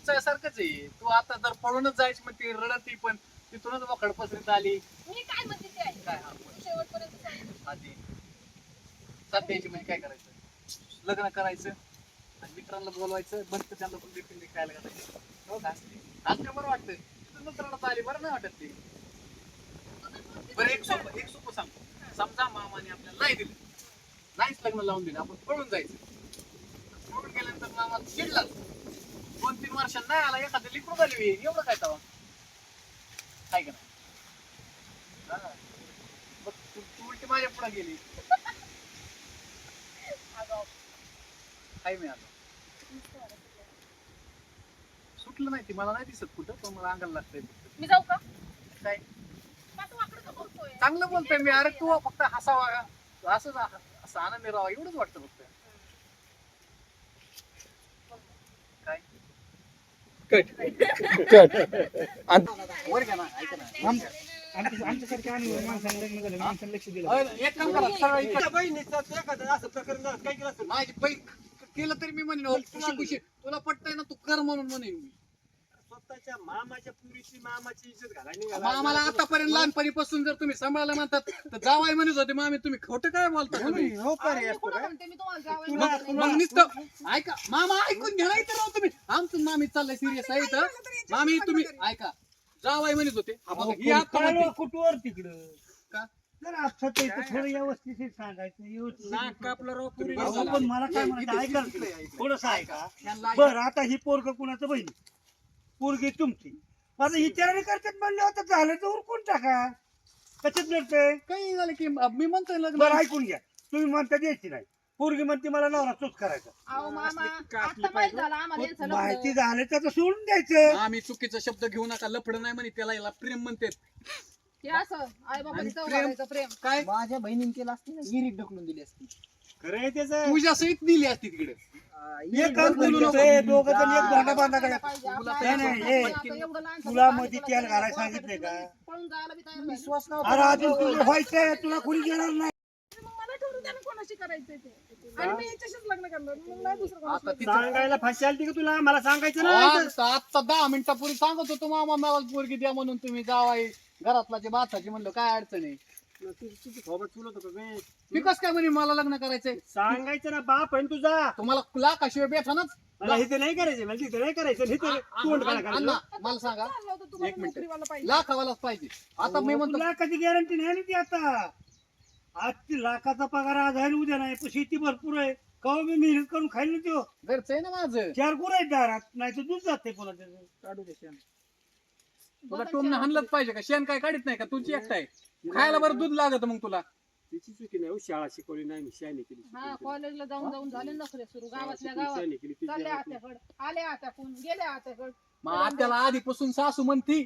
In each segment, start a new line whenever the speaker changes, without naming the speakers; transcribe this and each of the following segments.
सारखंच आहे. तू आता जर पळूनच जायची मग ती रडती पण तिथूनच मोकळ पसरीत आली.
मी काय म्हणते ते आहे.
काय
शेवटपर्यंत सांग.
आधी सध्याची म्हणजे काय करायचं, लग्न करायचं आणि मित्रांना बोलवायचं, बंद त्यांना पण देखील खायला घालायचं. हो का आज काय बरं वाटतं, तिथूनच रडत आली, बरं नाही वाटत ते. बरं एक सोपं सांगतो. समजा मामाने आपल्याला नाही दिलं, नाहीच लग्न लावून दिलं, आपण पळून जायचं. पळून गेल्यानंतर मामा चिडला, 2-3 वर्षांनी नाही आला, एखादं लिकरू झाली एवढं काय तवा काय का नाही. बघ तू उलटी माझ्या पुढे गेली. काय मिळालं सुटलं नाही, ती मला नाही दिसत कुठं, पण मला अंगाला लागतंय.
मी जाऊ का?
काय
पाठू वाकडं का बोलतोय?
चांगलं बोलतोय मी. अरे तू फक्त हसावा, असंच असं आनंदी राहावा एवढंच वाटतं फक्त. काय
कट
वर घ्या ना, ऐका ना.
आमच्यासारख्या आणि माणसाने लग्न झालं, माणसाने लक्ष दिलं.
एक काम करा, सरळ इकडं.
तुझ्या बहिणीचं एखादं असं प्रकरण झालं, काय केलं असेल?
माझी बहीण केलं तरी मी म्हणेन, खुशी खुशी तुला पटतंय ना, तू कर म्हणून म्हणेन मी.
स्वतःच्या मामाच्या पुरीची मामाची इज्जत घालायला
मग
निघाला.
आम्हाला आतापर्यंत लहानपणीपासून जर तुम्ही सांभाळायला म्हणतात तर जावाय म्हणत होते मामी, तुम्ही खोटं काय बोलता तुम्ही?
हो का रे
मी
असतो
कुठं
काय?
म्हणते, मी तुम्हाला जावई
तुला-
म्हणते.
मग नुसतं ऐका, मामा ऐकून घ्या नाही तर राव तुम्ही. आमचं मामी चाललंय सिरियस आहे तर मामी तुम्ही ऐका, जावाय म्हणत होते. हा बघा, ही आता म्हणते.
कुठवर तिकडं
का?
जरा आपसात यायचं, थोडं व्यवस्थित सांगायचं, व्यवस्थित.
नाक कापलं राव पुरी.
अहो, पण मला काय म्हणायचं ऐका ना तुम्ही. थोडंसं ऐका. बरं आता ही पोरग कुणाचं बहिणी, पोरगी तुमची. माझं विचाराने करतात म्हणले होतं, झालं तर उरकून टाका. कशात लढतंय?
काही झालं की मी म्हणतोय लग्न.
बरं ऐकून घ्या, तुम्ही म्हणता द्यायची नाही, पोरगी म्हणते मला नवरा चूक करायचा.
अहो मामा, आता माहित झालं आम्हाला यांचं लग्न.
माहिती झालं तर सोडून द्यायचं.
आम्ही चुकीचा शब्द घेऊ नका, लफडं नाही म्हणे त्याला, याला प्रेम म्हणते.
हे असं आई बाबांनी चौघांचं प्रेम.
काय
माझ्या बहिणीने केलं असती ना, विहिरीत ढकलून दिली असती.
खरं आहे त्याचं.
तुझ्या सहित दिली असती तिकडे.
एक काम बोलू नको, हे दोघं जण एक भांडा बांधा करा.
पाहिजे
तुला
आपल्याला.
नाही, नाही, हे
पण आता एवढं लहान
तुला
सगळं
मध्ये
पाहिजे,
तेल
तुला
घालायला
तुला
सांगितलंय का?
पळून जायला बी तयार झाली.
विश्वास
अरे अजून तुला व्हायचंय, तुला कोणी घेणार नाही.
मग मला ठरवून द्या ना कोणाशी करायचंय ते. आणि मी याच्याशीच लग्न करणार, मग नाही दुसरं कोणाशी.
आता तिथं
सांगायला फाशी आली का तुला? मला सांगायचं ना.
आता 10 मिनिटापूर्वी सांगत होतो मामा मला पोरगी द्या म्हणून, तुम्ही जावाय घरातला जे बाथाची म्हणलं काय अडचण आहे.
तुझी सोबत चुलत होतं काय?
मी कस काय म्हणे मला लग्न करायचंय,
सांगायचं ना, बाप आहे ना तुझा.
तुम्हाला लाखाशिवाय बेठानच.
मला इथे नाही करायचं, मला तिथे नाही करायचं, इथे तोंड काय करायचं.
अण्णा मला सांगा,
चाललं होतं तुम्हाला
एक मिनिट.
नोकरीवाला पाहिजे.
लाखावालाच पाहिजे. आता मी म्हणतो
तुला कधी गॅरंटी नाही ना ती. आता आज ती लाखाचा पगार आज आहे उद्या नाही, पण शेती भरपूर आहे. कवा मी मेहनत करून खाईल ना तो.
घरचं आहे ना माझं.
4 गुरं आहेत दारात, नाही तर दूध जाते कोणा त्याचं.
काढू दे शेण. तुला टोमनं हाणलंच पाहिजे का? शेण काय काढत नाही का? तुझी एकटा आहे खायला, बरं दूध लागत मग तुला.
तिची चुकी नाही, शाळा शिकवली नाही, मी शाळेने केली.
हा कॉलेजला जाऊन जाऊन झाले नखरे सुरू गावातल्या गावात.
शाळेने केली ती.
चालले आत्याकडे, आले आत्याकडून, गेले आत्याकडे.
मग आत्याला आधीपासून सासू म्हणती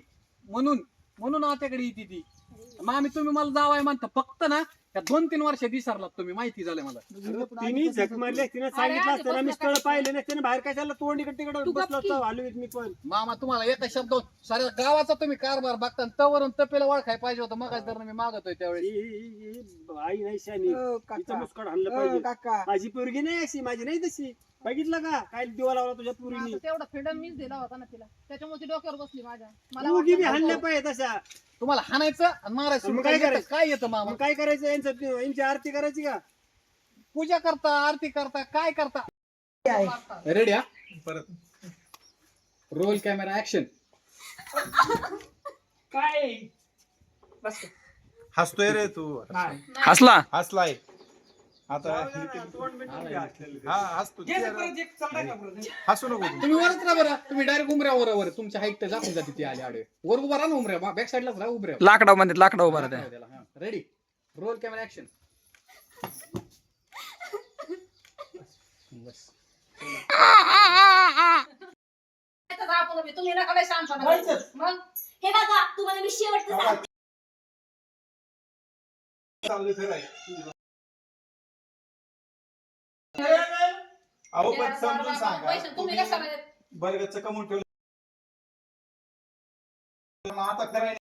म्हणून आत्याकडे येते ती. मग आम्ही तुम्ही मला जावाय म्हणता फक्त ना, त्या 2-3 वर्ष विसरलात तुम्ही, माहिती झालं मला.
तिने झक मारली, तिने सांगितलं असतं ना, मी स्थळ पाहिले नसते ना, बाहेर कशाला तोंड इकडे तिकडे
तू
बसलो
गप्प
असतो, हलवीत मी पण.
मामा तुम्हाला एका शब्द साऱ्या गावाचा तुम्ही कारभार बघता, तवरून तपेला ओळखाय पाहिजे होतं. मग मी मागतोय त्यावेळेस.
ही आई नाही शानी, तिचं मुस्काड हाणलं पाहिजे.
काका
माझी पोरगी नाही अशी, माझी नाही तशी. बघितलं का काय दिवा लावला तुझ्या पोरीनी?
आता तेवढा फ्रीडम मीच दिला होता ना तिला, त्याच्यामुळे ती डोक्यावर बसली माझ्या. मला
पोरगी बी
वाटलं
हाणल्या
नको.
पाहिजे तशा.
तुम्हाला हाणायचं आणि मारायचं.
मग
काय
काय
येतं?
करायचं?
काय येतं मामा?
मग काय करायचं? यांची आरती करायची का?
पूजा करता, आरती करता, काय करता? रेडी? हा परत रोल कॅमेरा ऍक्शन.
काय
हसतोय रे तू.
हसला
हसलाय आता.
तोंड बिंडून घ्या.
हा हसतो. हसू नको तू.
तुम्ही वरच राहा बरं. तुम्ही डायरेक्ट उमऱ्यावर तुमच्या हाईट दाखवून जाते ती आले आडवे. वर उभा राहा ना उमऱ्या, बॅक साईडलाच राहा उभ्या.
लाकडा म्हणतात, लाकडा उभा राहते.
Ready roll camera action. बस
तुम्ही नका लय शहाणपणा करू. मग
हे बघा तुम्हाला मी शेवटचं सांगते.
चालू फिराय. अहो पण समजून सांगा.
पैसे तुम्ही कशाला
बरगतचं कमवून ठेवलं आता करायला